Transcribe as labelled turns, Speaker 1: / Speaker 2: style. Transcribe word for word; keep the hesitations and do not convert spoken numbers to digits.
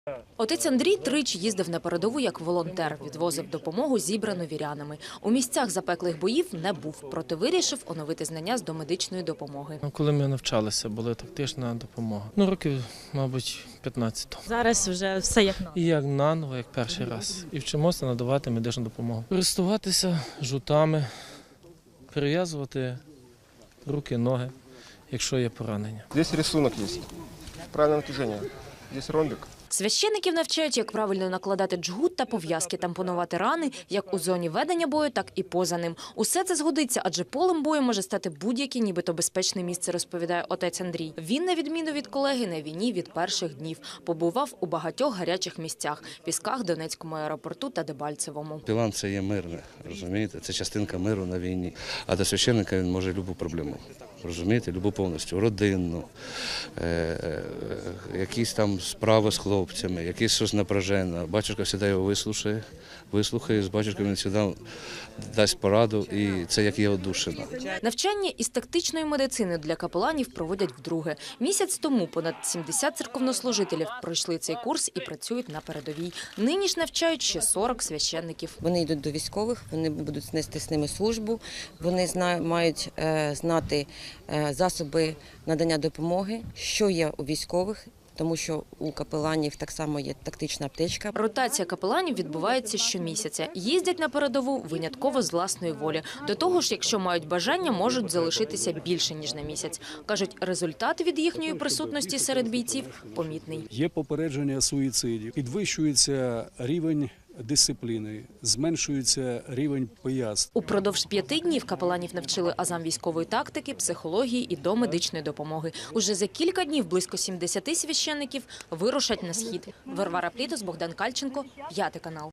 Speaker 1: Отець Андрій тричі їздив на передову як волонтер, відвозив допомогу, зібрану вірянами. У місцях запеклих боїв не був, проте вирішив оновити знання з домедичної допомоги.
Speaker 2: Коли ми навчалися, була тактична допомога. Ну, років, мабуть, п'ятнадцять.
Speaker 3: Зараз вже все як наново.
Speaker 2: І як наново, як перший раз. І вчимося надавати медичну допомогу. Користуватися жутами, перев'язувати руки, ноги, якщо є поранення.
Speaker 4: Здесь рисунок є. Правильне натяження. Здесь ромбик.
Speaker 1: Священиків навчають, як правильно накладати джгут та пов'язки, тампонувати рани, як у зоні ведення бою, так і поза ним. Усе це згодиться, адже полем бою може стати будь-яке нібито безпечне місце, розповідає отець Андрій. Він, на відміну від колеги, на війні від перших днів. Побував у багатьох гарячих місцях – Пісках, Донецькому аеропорту та Дебальцевому.
Speaker 5: Білан – це є мирне, розумієте? Це частинка миру на війні. А до священника він може любу проблему, розумієте? Любу повністю. Родинну, е, е, якісь там справи з хлопцями, якісь щось напряжене. Батюшка завжди його вислухає, вислухає, з батюшкою він завжди дасть пораду, і це як є одушина.
Speaker 1: Навчання із тактичної медицини для капеланів проводять вдруге. Місяць тому понад сімдесят церковнослужителів пройшли цей курс і працюють на передовій. Нині ж навчають ще сорок священників.
Speaker 6: Вони йдуть до військових, вони будуть нести з ними службу, вони зна, мають е, знати е, засоби надання допомоги, що є у військових, тому що у капеланів так само є тактична аптечка.
Speaker 1: Ротація капеланів відбувається щомісяця. Їздять на передову винятково з власної волі. До того ж, якщо мають бажання, можуть залишитися більше, ніж на місяць. Кажуть, результат від їхньої присутності серед бійців помітний.
Speaker 7: Є попередження суїцидів, підвищується рівень дисципліни, зменшується рівень пияцтв.
Speaker 1: Упродовж п'яти днів капеланів навчили азам військової тактики, психології і домедичної допомоги. Уже за кілька днів близько сімдесят священників вирушать на схід. Варвара Плітос, Богдан Кальченко, п'ятий канал.